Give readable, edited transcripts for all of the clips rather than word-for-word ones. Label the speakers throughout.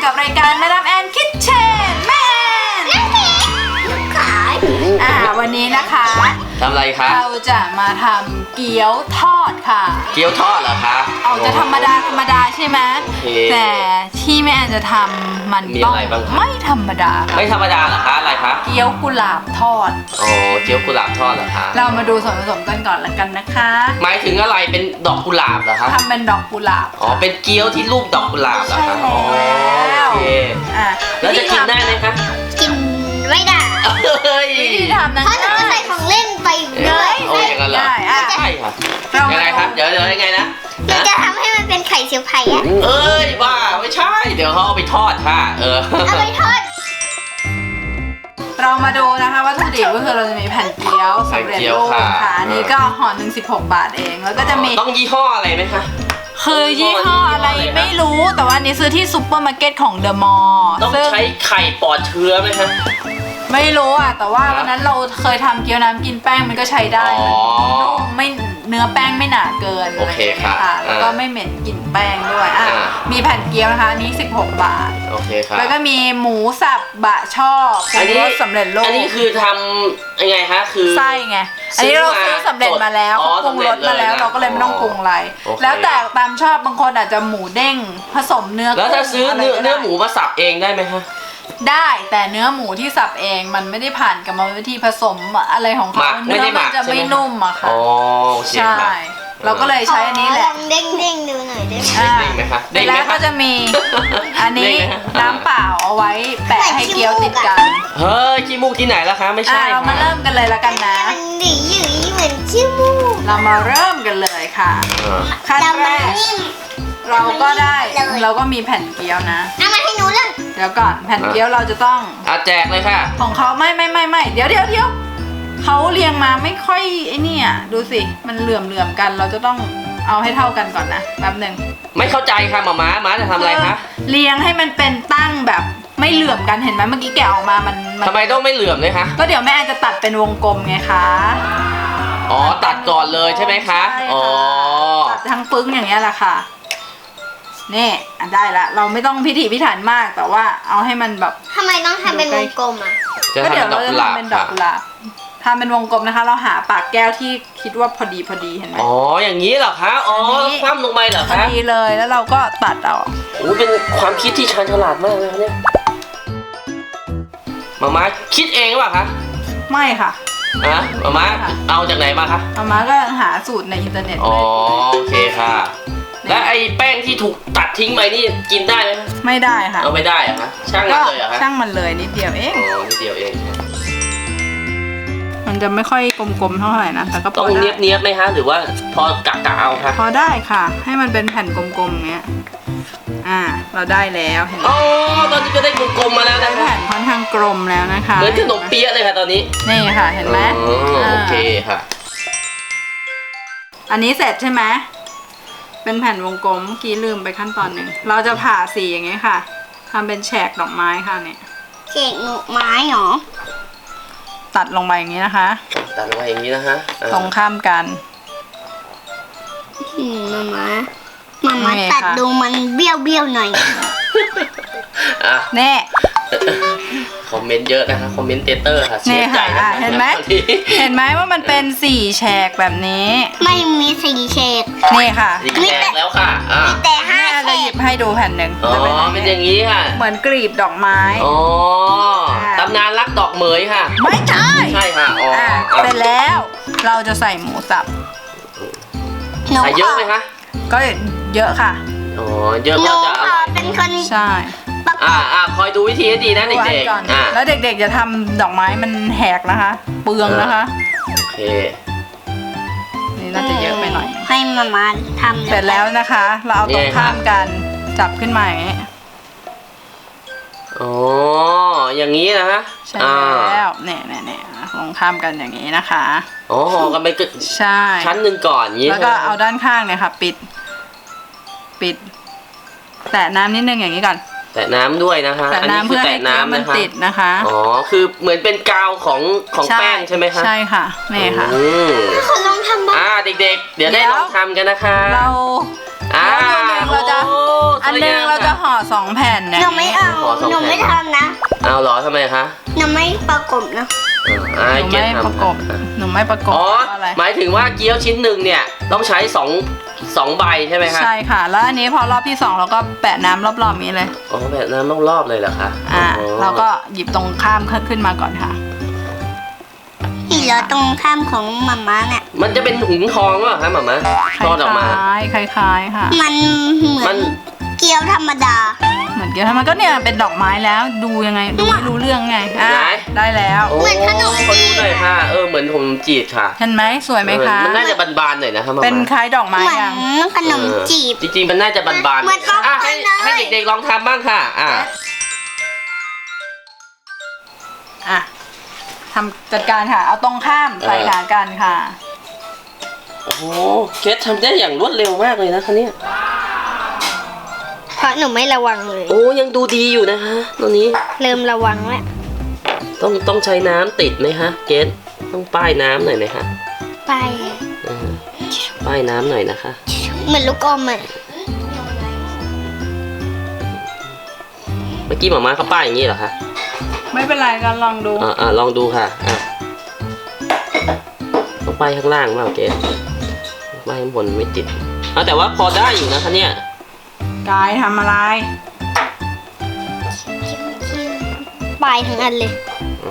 Speaker 1: กับรายการแม่ดามแอนคิทเช่นแม่แอนขายวันนี้นะคะ
Speaker 2: ทำอะไรคะ
Speaker 1: เราจะมาทำเกี๊ยวทอดค่ะ
Speaker 2: เกี๊ยวทอดเหรอคะ
Speaker 1: เอาจะธรรมดาใช่ไหมแต่ที่แม่แอนจะทำมันต้องไม่ธรรมดา
Speaker 2: ไม่ธรรมดาเหรอคะอะไรคะ
Speaker 1: เกี๊ยวกุหลาบทอด
Speaker 2: อ๋อเกี๊ยวกุหลาบทอดเหรอคะ
Speaker 1: เรามาดูส่วนผสมกันก่อนละกันนะคะ
Speaker 2: หมายถึงอะไรเป็นดอกกุหลาบเหรอคะ
Speaker 1: ทำเป็นดอกกุหลาบ
Speaker 2: อ๋อเป็นเกี๊ยวที่รูปดอกกุหลาบเหรอคะ
Speaker 1: อ๋อโอเค
Speaker 2: แล้วจะกินได้ไหมคะ
Speaker 3: กินไม่ได้
Speaker 1: วิธีทำนะ
Speaker 3: เพราะจะใส่ของเล่นไปเยอะ
Speaker 2: โอ้ยอย่างนั้นเหรอใช่ค่ะยังไงครับเดี๋ยวยังไงนะ
Speaker 3: เราจะทำให้มันเป็นไข่เจียวไผ่อะ
Speaker 2: เอ้ยบ้าไม่ใช่เดี๋ยวเขาเอาไปทอดค่ะ
Speaker 3: เอาไปทอด
Speaker 1: เรามาดูนะคะวัตถุดิบก็คือเราจะมีแผ่นเกี๊ยวสำเร็จรูปค่ะอันนี้ก็ห่อหนึ่ง16 บาทเองแล้วก็จะมี
Speaker 2: ต้องยี่ห้ออะไรไหมคะ
Speaker 1: คือยี่ห้ออะไรไม่รู้แต่ว่านี้ซื้อที่ซุปเปอร์มาร์เก็ตของเดอะมอลล์
Speaker 2: ต้องใช้ไข่ปลอดเชื้อไหมคะ
Speaker 1: ไม่รู้อ่ะแต่ว่าวันนั้นเราเคยทำเกี๊ยวน้ำกินแป้งมันก็ใช้ได้ไม่เนื้อแป้งไม่หนาเกิน
Speaker 2: โอเคค่ะ
Speaker 1: แล้วก็ไม่เหม็นกลิ่นแป้งด้วยมีแผ่นเกี๊ยวนะคะนี้16 บาท
Speaker 2: โอเคค่ะ
Speaker 1: แล้วก็มีหมูสับบะช่อปรุงรสสำเร็จรูป
Speaker 2: อันนี้คือทำยังไงคะคือ
Speaker 1: ไส้ไงอันนี้เราซื้อสำเร็จมาแล้วเขาปรุงรสมาแล้วเราก็เลยไม่ต้องปรุงอะไรแล้วแต่ตามชอบบางคนอาจจะหมูเด้งผสมเนื้อ
Speaker 2: แล้วถ้าซื้อเนื้อหมูมาสับเองได้ไหมคะ
Speaker 1: ได้แต่เนื้อหมูที่สับเองมันไม่ได้ผ่านกรรมวิธีผสมอะไรของเขาเนื้อมันจะไม่นุ่มอะค่ะใช่เราก็เลยใช้อันนี้แหละ
Speaker 3: เด้งดูหน่อยได้
Speaker 2: ไหมคะ
Speaker 1: แล้วก็จะมีอันนี้น้ำเปล่าเอาไว้แปะให้เกี๊ยวติดกัน
Speaker 2: เฮ้ยขี้มูกที่ไหนล่ะคะไม่ใช่
Speaker 1: เรามาเริ่มกันเลยละกันนะ
Speaker 3: หนีอยู่เหมือนขี้มูก
Speaker 1: เรามาเริ่มกันเลยค่ะขั้นแรกเราก็มีแผ่นเกี๊ยวนะ
Speaker 3: เอามาให้หนูเลย
Speaker 1: เดี๋ยวก่อนแผ่นเกี๊ยวเราจะต้อง
Speaker 2: แจกเลยค่ะ
Speaker 1: ของเขาไม่เดี๋ยวเขาเรียงมาไม่ค่อยไอ้นี่อ่ะดูสิมันเหลื่อมกันเราจะต้องเอาให้เท่ากันก่อนนะแป๊บนึง
Speaker 2: ไม่เข้าใจค่ะหมาจะทำอะไรคะ
Speaker 1: เรียงให้มันเป็นตั้งแบบไม่เหลื่อมกันเห็นไหมเมื่อกี้แกะออกมามัน
Speaker 2: ทำไมต้องไม่เหลื่อมเลยคะ
Speaker 1: ก็เดี๋ยวแม่จะตัดเป็นวงกลมไงคะ
Speaker 2: อ๋อตัดก่อนเลยใช่ไหมคะอ๋อ
Speaker 1: ตัดทั้งปึ้งอย่างเงี้ยแหละค่ะนี่ได้ละเราไม่ต้องพิถีพิถันมากแต่ว่าเอาให้มันแบบ
Speaker 3: ทำไมต้องทำเป็นวงกลมอ่ะ
Speaker 1: ก็เดี๋ยวเราจะทำเป็นดอกกุหลาบทำเป็นวงกลมนะคะเราหาปากแก้วที่คิดว่าพอดีเห็นไหม
Speaker 2: อ๋ออย่างนี้เหรอคะอ๋อคว่ำลงไปเหรอคะ
Speaker 1: พอดีเลยแล้วเราก็ตัดเอา
Speaker 2: โอ้เป็นความคิดที่ชาญฉลาดมากเลยเนี่ยมาคิดเองหรือเปล่าคะ
Speaker 1: ไม่ค่ะ
Speaker 2: มาเอาจากไหนมาคะ
Speaker 1: มาก็หาสูตรในอินเทอร์เน็ต
Speaker 2: อ๋อโอเคค่ะและไอ้แป้งที่ถูกตัดทิ้งไปนี่กินได้ไหม
Speaker 1: ไม่ได้ค่ะ
Speaker 2: เอาไม่ได้อะคะช่างมันเลยอะคะ
Speaker 1: ช่างมันเลยนิดเดียวเอง
Speaker 2: นิดเดียวเอง
Speaker 1: มันจะไม่ค่อยกลมๆเท่าไหร่นะแต่ก็
Speaker 2: ต้องเนียบไหมคะหรือว่าพอกะเอาคะ
Speaker 1: พอได้ค่ะให้มันเป็นแผ่นกลมๆเงี้ยเราได้แล้วเห็นไหม
Speaker 2: อ๋อตอนนี้ก็ได้กลมๆมาแล้วนะ
Speaker 1: แผ่นค่อนข้างกลมแล้วนะคะ
Speaker 2: เหมือนขนมเปี๊ยะเลยค่ะตอนนี้
Speaker 1: นี่ค่ะเห็นไหม
Speaker 2: โอเคค่ะ
Speaker 1: อันนี้เสร็จใช่ไหมเป็นแผ่นวงกลมเมื่อกี้ลืมไปขั้นตอนหนึ่งเราจะผ่าสีอย่างงี้ค่ะทำเป็นแฉกดอกไม้ค่ะเนี่ย
Speaker 3: แฉกดอกไม้เหรอ
Speaker 1: ตัดลงไปอย่างนี้นะคะ
Speaker 2: ตัดลงไปอย่างนี้นะคะ
Speaker 1: ตรงข้ามกัน
Speaker 3: มาตัดดูมันเบี้ยวหน่อย
Speaker 1: แน่
Speaker 2: คอมเมนต์เยอะนะคะคอมเมนเตอร์ค่ะเสียใจ
Speaker 1: เห็นไหมว่ามันเป็น4แฉกแบบนี้
Speaker 3: ไม่มี4แฉก
Speaker 1: นี่ค่ะ
Speaker 2: 4แฉกแล้วค่ะ
Speaker 3: มีแต่5แฉก
Speaker 1: จะหยิบให้ดูแผ่นหนึ่ง
Speaker 2: เป็นอย่างนี้ค่ะ
Speaker 1: เหมือนกลีบดอกไม้
Speaker 2: ตำนานรักดอกเหมยค่ะ
Speaker 1: ไม่ใช่
Speaker 2: ค่ะ
Speaker 1: เสร็จแล้วเราจะใส่หมูสับ
Speaker 2: ใส่เยอะไหมคะ
Speaker 1: ก็เยอะค่ะ
Speaker 2: เยอะก็จะอร่อย
Speaker 3: เป็นคน
Speaker 1: ใช่
Speaker 2: คอยดูวิธีให้ดีนะเด็ก
Speaker 1: ๆแล้วเด็กๆจะทำดอกไม้มันแหกนะคะเปลืองนะคะ
Speaker 2: โอเค
Speaker 1: นี่น่าจะเยอะไปหน่อย
Speaker 3: ให้มาทำ
Speaker 1: เสร็จแล้วนะคะเราเอาตรงข้ามกันจับขึ้นมาอย่างนี้
Speaker 2: อย่างนี้นะฮะ
Speaker 1: ใช่แล้วเนี่ยตรงข้ามกันอย่างนี้นะคะ
Speaker 2: ห่อกันไป
Speaker 1: ใช่
Speaker 2: ชั้นหนึ่งก่อนอย่างนี้
Speaker 1: แล้วก็เอาด้านข้างเนี่ยค่ะปิดแตะน้ำนิดนึงอย่างนี้ก่อน
Speaker 2: แตะน้ำด้วยนะคะ
Speaker 1: อันนี้คือแตะน้ำมันติดนะคะ
Speaker 2: คือเหมือนเป็นกาวของแป้งใช่ไหมคะ
Speaker 1: ใช่ค่ะนี่ค่ะ
Speaker 3: ขอลองทำบ้าง
Speaker 2: เด็กๆเดี๋ยวได้ลองทำกันนะคะ
Speaker 1: เราจะ
Speaker 2: ท
Speaker 1: อันนึงเราจะห่อ2 แผ่นเนี่ย
Speaker 3: หนูไม่เอา
Speaker 2: ขอ2
Speaker 3: หนูไม่
Speaker 2: แผ่น
Speaker 3: ทำนะ
Speaker 2: เอาเหรอทำไมคะ
Speaker 3: หนูไม่ประกบนะ
Speaker 2: อ่า
Speaker 1: หนู
Speaker 2: เก
Speaker 1: ไม่
Speaker 2: ททำ
Speaker 1: ประกบหนูไม่ประกบ
Speaker 2: อ๋อ
Speaker 1: เพราะอะไร
Speaker 2: หมายถึงว่าเกี๊ยวชิ้นหนึ่งเนี่ยต้องใช้2ใบใช่ไหมคะ
Speaker 1: ใช่ค่ะ แล้วอันนี้พอรอบที่ 2 เราก็แปะน้ำรอบๆนี้เลย
Speaker 2: อ๋อแบบน้ำต้องรอบเลยเหรอคะ
Speaker 1: เราก็หยิบตรงข้ามขึ้นมาก่อนค่ะ
Speaker 3: ที่เหลือตรงข้ามของมาม่าเนี่ย
Speaker 2: มันจะเป็นหุงทองหรือเปล่าคะหม่ามา
Speaker 1: ค
Speaker 2: ทอดออกมา
Speaker 1: ล้ายๆค่ะ
Speaker 3: มันเหมื
Speaker 2: มั
Speaker 3: อน นเกี๊ยวธรรมดา
Speaker 1: เหมือนเกี๊ยวทำมันก็เนี่ยเป็นดอกไม้แล้วดูยังไงดูไม่รู้เรื่องไงอ่ะ
Speaker 2: ไหน
Speaker 1: ได้แล้ว
Speaker 2: โอ้
Speaker 3: เหมือนขนมจีบ
Speaker 2: ขอดูหน่อยค่ะเหมือนขนมจีบค่ะ
Speaker 1: เห็นไหมสวยไหมคะ
Speaker 2: มันน่าจะบานๆหน่อยนะคะหม่า
Speaker 1: เป็น
Speaker 2: มา
Speaker 1: คล้ายดอกไม้
Speaker 3: เหมือน
Speaker 1: ยัง
Speaker 3: ขนมจีบ
Speaker 2: จริงๆมันน่าจะบานๆ
Speaker 3: เหมือนป๊อป
Speaker 2: อ่ะ
Speaker 3: คอร์นเลย
Speaker 2: ให้เด็กๆลองทำบ้างค่ะ
Speaker 1: อ่ะทำจัดการค่ะ เอาตรงข้ามใส่ขากันค่ะ
Speaker 2: โอ้โหเกททำได้อย่างรวดเร็วมากเลยนะคะเนี่ย
Speaker 3: เพราะหนูไม่ระวังเลย
Speaker 2: โอ้ยังดูดีอยู่นะคะตอนนี้
Speaker 3: เริ่มระวังแล้ว
Speaker 2: ต้องใช้น้ำติดไหมคะเกทต้องป้ายน้ำหน่อยไหมคะ
Speaker 3: ไป
Speaker 2: ป้ายน้ำหน่อยนะคะ
Speaker 3: เหมือนลูกอมอ่ะ
Speaker 2: เมื่อกี้หม่ามาเขาป้ายอย่างนี้เหรอคะ
Speaker 1: ไม่เป็นไรกันลองดู
Speaker 2: ลองดูค่ะต้องป้ายข้างล่างมากเกทป้ายข้างบนไม่ติดแต่ว่าพอได้อยู่นะคะเนี่ย
Speaker 1: กายทำอะไร
Speaker 3: ปลายทั้งอันเลย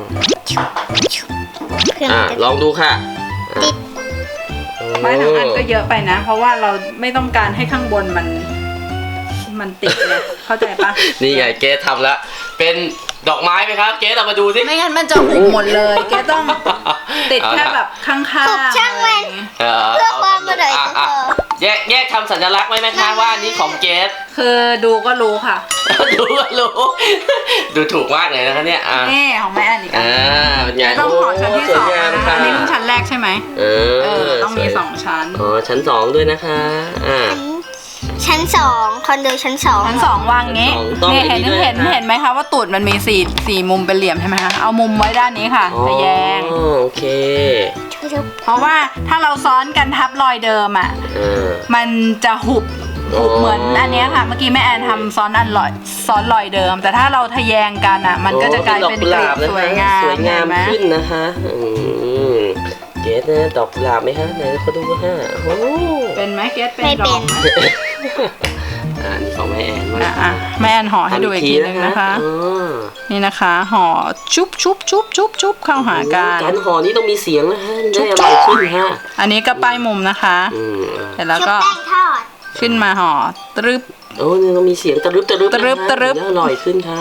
Speaker 3: เครื่องจะ
Speaker 2: ลองดูค่ะ
Speaker 3: ติด
Speaker 1: ไม้ทั้งอันก็เยอะไปนะ เพราะว่าเราไม่ต้องการให้ข้างบนมันติดเลยเข้าใจปะ
Speaker 2: นี่ไงเกททำแล้ว เป็นดอกไม้ไหมครับ เกทเรามาดูสิ
Speaker 1: ไม่งั้นมันจะหุบหมดเลยแกต้องติดแค่แบบข้างๆ
Speaker 3: หุบช่างมัน
Speaker 2: เพื่อความอร่อยแยกทำสัญลักษณ์ไว้ไหมคะว่าอันนี้ของเกท
Speaker 1: คือดูก็รู้ค่ะ
Speaker 2: ดูก็รู้ดูถูกมากเลยนะคะเนี่ย
Speaker 1: นี่ของแม่อันอีกอัน
Speaker 2: เป็นไง
Speaker 1: ต้องขอชั้นที่
Speaker 2: ส
Speaker 1: ส
Speaker 2: ว
Speaker 1: อย ง
Speaker 2: งาม
Speaker 1: นะคะ
Speaker 2: ค่ะ
Speaker 1: อันนี้มันชั้นแรกใช่ไหมต้องมี
Speaker 2: สวย
Speaker 1: 2 ชั้น
Speaker 2: ชั้น 2ด้วยนะคะ
Speaker 3: ชั้น2คอนโดชั้น2
Speaker 1: ชั้น 2วางงี้
Speaker 2: ต้อง
Speaker 1: นี่
Speaker 2: อย่างนี้ด้วยนะคะ
Speaker 1: เห็นไหมคะว่าตูดมันมีสี่มุมเป็นเหลี่ยมใช่ไหมคะเอามุมไว้ด้านนี้ค่ะทะแยง
Speaker 2: โอเค
Speaker 1: เพราะว่าถ้าเราซ้อนกันทับรอยเดิมอ่ะมันจะหุบเหมือนอันเนี้ยค่ะ เมื่อกี้แม่แอนทำซ้อนรอยเดิม แต่ถ้าเราทะแยงกันอ่ะ มันก็จะกลายเป็นกลีบสวยงาม
Speaker 2: สวยงาม
Speaker 1: เห็นไหม
Speaker 2: ขึ้นนะคะเกสนะดอกกุหลาบไหมฮะไหนเขาดูฮะโอ้
Speaker 1: เป็นไหมเกสเป็น
Speaker 3: ไม่
Speaker 1: ด
Speaker 3: เป็
Speaker 1: อก
Speaker 3: น
Speaker 1: ไหม
Speaker 2: นี่ของแม่แอนมา
Speaker 1: แม่แอนห่อให้ดูอีกทีนึงนะคะ นี่นะคะห่อชุบเข้าหากัน
Speaker 2: การห่อนี้ต้องมีเสียงนะฮะได้อร่อยขึ้นฮะ
Speaker 1: อันนี้ก็ป้ายมุมนะคะเสร็จแล้วก็
Speaker 3: ชุบแป้งทอด
Speaker 1: ขึ้นมาห่อตรึบ
Speaker 2: โอ้นี่ต้องมีเสียงตะรึบนะฮะ
Speaker 1: ตะรึบ
Speaker 2: ได้อร่อยขึ้นค่ะ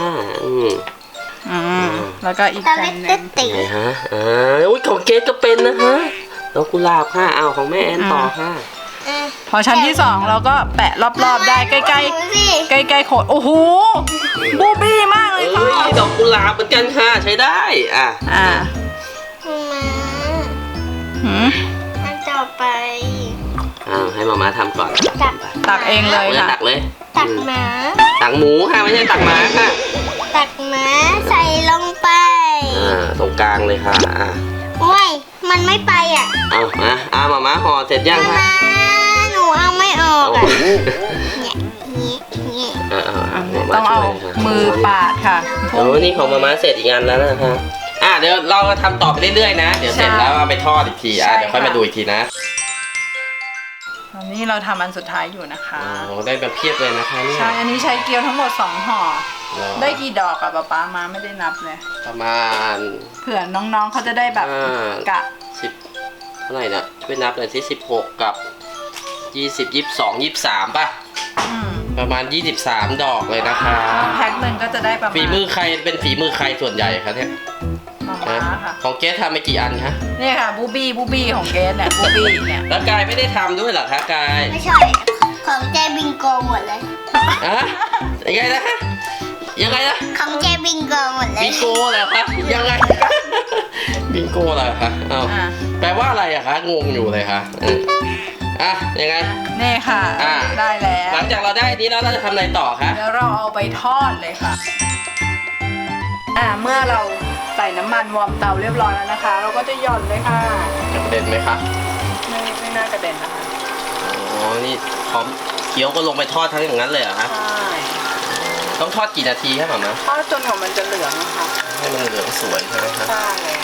Speaker 1: แล้วก็อีก
Speaker 3: ตะ
Speaker 1: แผ่
Speaker 3: ลิ
Speaker 1: น
Speaker 3: ด
Speaker 1: หนึ่ง
Speaker 3: ติ
Speaker 2: ไงฮะอุ้ยของเกสก็เป็นนะฮะดอกกุหลาบค่ะของแม่แอนต่อค่ะ
Speaker 1: พอชั้นที่ 2 เราก็แปะรอบๆได้ใกล้ๆโขดโอ้โหบูบี้มากเลยค่ะ
Speaker 2: ดอกกุหลาบเหมือนกันค่ะใช้ได้
Speaker 3: มา
Speaker 1: หืม
Speaker 3: อันต่อไป
Speaker 2: ให้มาม่าทำก่อน
Speaker 1: ตักเองเลยค่ะ
Speaker 2: ตักเลย
Speaker 3: ตักหมา
Speaker 2: ตักหมูค่ะไม่ใช่ตักหมาค่ะ
Speaker 3: ตักหมาใส่ลงไป
Speaker 2: ตรงกลางเลยค่ะ
Speaker 3: โอ้ยมันไม่ไปอ่ะ
Speaker 2: มาม่าห่อเสร็จยังคะ
Speaker 3: หนูเอาไม่ออกอ่ะเนี่ย
Speaker 1: ต้องเอามือปาดค่ะ
Speaker 2: นี่ของมาม่าเสร็จอีกอันแล้วนะคะเดี๋ยวเราทำต่อไปเรื่อยๆนะเดี๋ยวเสร็จแล้วเอาไปทอดอีกทีเดี๋ยวค่อยมาดูอีกทีนะ
Speaker 1: ตอนนี้เราทำอันสุดท้ายอยู่นะคะ
Speaker 2: ได้แบบเพียบเลยนะคะเนี่ย
Speaker 1: ใช่อันนี้ใช้เกี๊ยวทั้งหมด2 ห่อได้กี่ดอกอะป๊ามาไม่ได้นับเลย
Speaker 2: ประมาณ
Speaker 1: เผื่อน้องๆเขาจะได้แบบกะ
Speaker 2: 10เท่าไหร่นะช่วยนับหน่อยสิ16กับ20 22 23ป่ะประมาณ23ดอกเลยนะคะ
Speaker 1: แพ็คหนึ่งก็จะได้ประมาณ
Speaker 2: ฝีมือใครเป็นฝีมือใครส่วนใหญ่ครับเนี่ย
Speaker 1: มาค่ะ
Speaker 2: ของเกสทำไปกี่อันคะ
Speaker 1: นี่ค่ะบูบี้ของเกสเนี่ยบูบี้เนี่ย
Speaker 2: แล้วกายไม่ได้ทำด้วยเหรอคะกาย
Speaker 3: ไม่ใช่ของเจบิงโกหมดเลย
Speaker 2: ยังไงนะ
Speaker 3: ของเจบิงโกหมดเลย
Speaker 2: บิงโกเหรอคะยังไงบิงโกเหรอคะแปลว่าอะไรอะคะงงอยู่เลยค่ะยังไง
Speaker 1: นี่ค่ะได้แล้ว
Speaker 2: หลังจากเราได้นี้แล้วเราจะทำอะไรต่อคะ
Speaker 1: แล้วเราเอาไปทอดเลยค่ะเมื่อเราใส่น้ำมันวอร์มเตาเรียบร้อยแล้วนะคะ เราก็จะหย่อนเลยค่ะ
Speaker 2: จะกระเด็นไหมคะ
Speaker 1: ไม่น่ากระเด็นนะคะ
Speaker 2: นี่พร้อมกี๊ยวก็ลงไปทอดทั้งอย่างนั้นเลยเหรอฮะ
Speaker 1: ใช่
Speaker 2: ต้องทอดกี่นาทีครับหม่ามา
Speaker 1: ทอดจนกว่ามันจะเหลืองนะคะ
Speaker 2: ให้มันเหลืองสวยใช่ไหมครับ
Speaker 1: ใช่แล้ว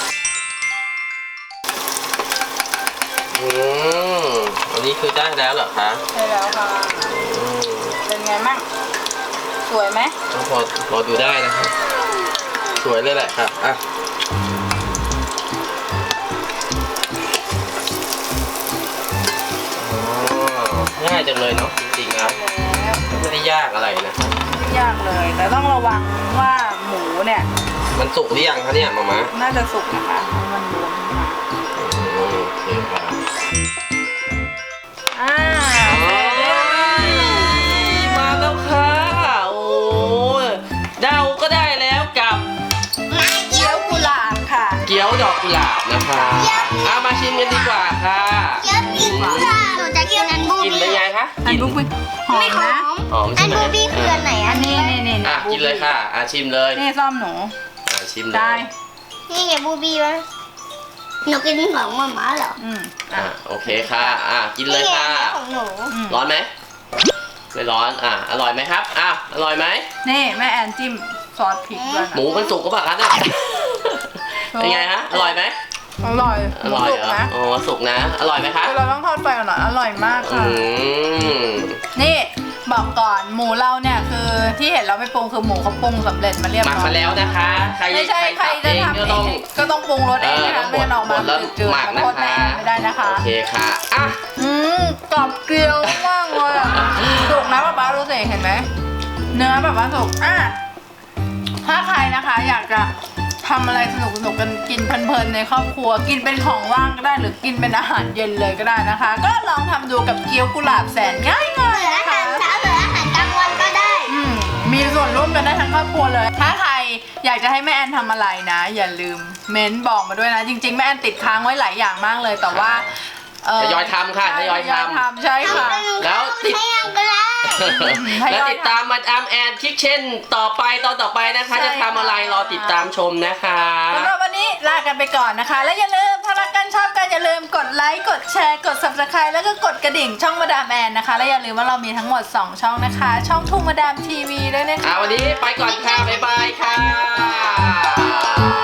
Speaker 2: อันนี้คือได้แล้วเหรอคะ
Speaker 1: ใช่แล้วค่ะ เป็นไงมั่งสวยไหม
Speaker 2: ก็พอดูได้นะครับสวยเลยแหละครับอ่ะง่ายจังเลยเนาะจริงๆแล้ว
Speaker 1: แล้ว
Speaker 2: ไม่ได้ยากอะไรนะครับ
Speaker 1: ไม่ยากเลย แต่ต้องระวังว่าหมูเนี่ย
Speaker 2: มันสุกหรือยังคะเนี่ยหม่ามา
Speaker 1: น่าจะสุกนะคะให้มันรวมขึ้นมา
Speaker 2: โอเคครับ
Speaker 1: อ่าเสร็จเรียบร้อย
Speaker 2: มาแล้วค่ะโอ้เดาก็ได้แล้วกับ
Speaker 1: เกี๊ยวกุหลาบค่ะ
Speaker 2: เกี๊ยวดอกกุหลาบนะคะมาชิมกันดีกว่าค่ะ
Speaker 3: เยอะปีกค่ะหนูจะกินอันบู
Speaker 2: กิน
Speaker 3: บี้
Speaker 2: เป็นไงคะ
Speaker 1: อันบุกบิหอม
Speaker 3: ไม่หอ
Speaker 1: นะ
Speaker 3: ม
Speaker 2: หอม
Speaker 3: อั
Speaker 2: ใช่
Speaker 3: น
Speaker 2: ไหม
Speaker 3: บูบี้คืออันไหน
Speaker 1: อั
Speaker 3: อั
Speaker 1: น
Speaker 3: น
Speaker 1: นี้
Speaker 3: นี้
Speaker 1: นี่
Speaker 2: กินเลยค่ะชิมเลย
Speaker 1: นี่ซ่อมหนู
Speaker 2: ชิมเลย
Speaker 1: ได้
Speaker 3: นี่ไงบูบี้วะหนูกินของหมาม่าเหรอ
Speaker 2: โอเคค่ะกินเลยค่ะ
Speaker 3: นี่ไงของหนู
Speaker 2: ร้อนไหมไม่ร้อนอร่อยไหมครับอร่อยไหม
Speaker 1: นี่แม่แอนจิ้มซอสพริกด้วยนะ
Speaker 2: หมูมันสุกก็ปล่าคะเนี่ยเป็นไงฮะอร่อยไหม
Speaker 1: อร่อย
Speaker 2: อร่อย
Speaker 1: สุก
Speaker 2: เหรอ
Speaker 1: นะ
Speaker 2: อ๋อสุกนะ อร่อยไหมคะ
Speaker 1: เราต้องทอดไฟก่อนหน่อยอร่อยมากค่ะ
Speaker 2: ม
Speaker 1: นี่บอกก่อนหมูเราเนี่ยคือที่เห็นเราไม่ปรุงคือหมูเขาปรุงสำเร็จมาเรียบ
Speaker 2: หมัก
Speaker 1: ร้อย
Speaker 2: มาแล้วนะคะ
Speaker 1: ไม่ใช่ใครจะทำ
Speaker 2: ก็
Speaker 1: เอ
Speaker 2: ต้อง
Speaker 1: งก็ต้องปรุงรสเองนะคะ
Speaker 2: ต้อง
Speaker 1: ไม่งั้นออกมา
Speaker 2: บดแล้ว
Speaker 1: จืด
Speaker 2: หมัก
Speaker 1: ๆแล้วโทษแม่แอนไม่ได้นะคะ
Speaker 2: โอเคค่ะอ่ะ
Speaker 1: กรอบเกลียวมากเลยอะสุกนะป๊าป๊าดูสิเห็นไหมเนื้อแบบว่าสุกถ้าใครนะคะอยากจะทำอะไรสนุกกันกินเพลินๆในครอบครัวกินเป็นของว่างก็ได้หรือกินเป็นอาหารเย็นเลยก็ได้นะคะ ก็ลองทำดูกับเกี๊ยวกุหลาบแสนง่าย
Speaker 3: เหลือ
Speaker 1: ๆ
Speaker 3: อา
Speaker 1: นะ
Speaker 3: หา
Speaker 1: คะ
Speaker 3: รเช้าเหลืออาหารกลางวันก็ได้
Speaker 1: มีส่วนร่วมกันได้ทั้งครอบครัวเลย ถ้าใครอยากจะให้แม่แอนทำอะไรนะ อย่าลืมเม้นบอกมาด้วยนะ จริงๆแม่แอนติดค้างไว้หลายอย่างมากเลยแต่ว่า
Speaker 2: ทยอยทำค่ะทยอยทำ
Speaker 1: ใช่ค่ะ
Speaker 2: แล้วติด
Speaker 3: ให้ยังก็ได้
Speaker 2: แล้วติดตามมาดามแอนคิกเช่นต่อไปตอนต่อไปนะคะ
Speaker 1: ใช่
Speaker 2: จะทำอะไร
Speaker 1: ค่ะ
Speaker 2: รอติดตามชมนะคะ
Speaker 1: สำหรับวันนี้ลากันไปก่อนนะคะ และอย่าลืมถ้ารักกันชอบกันอย่าลืมกดไลค์กดแชร์กด subscribe แล้วก็กดกระดิ่งช่องมาดามแอนนะคะและอย่าลืมว่าเรามีทั้งหมด 2 ช่องนะคะ ช่องทุ่งมาดามทีวีด้วยนะคะ
Speaker 2: วันนี้ไปก่อนค่ะ บ๊ายบายค่ะ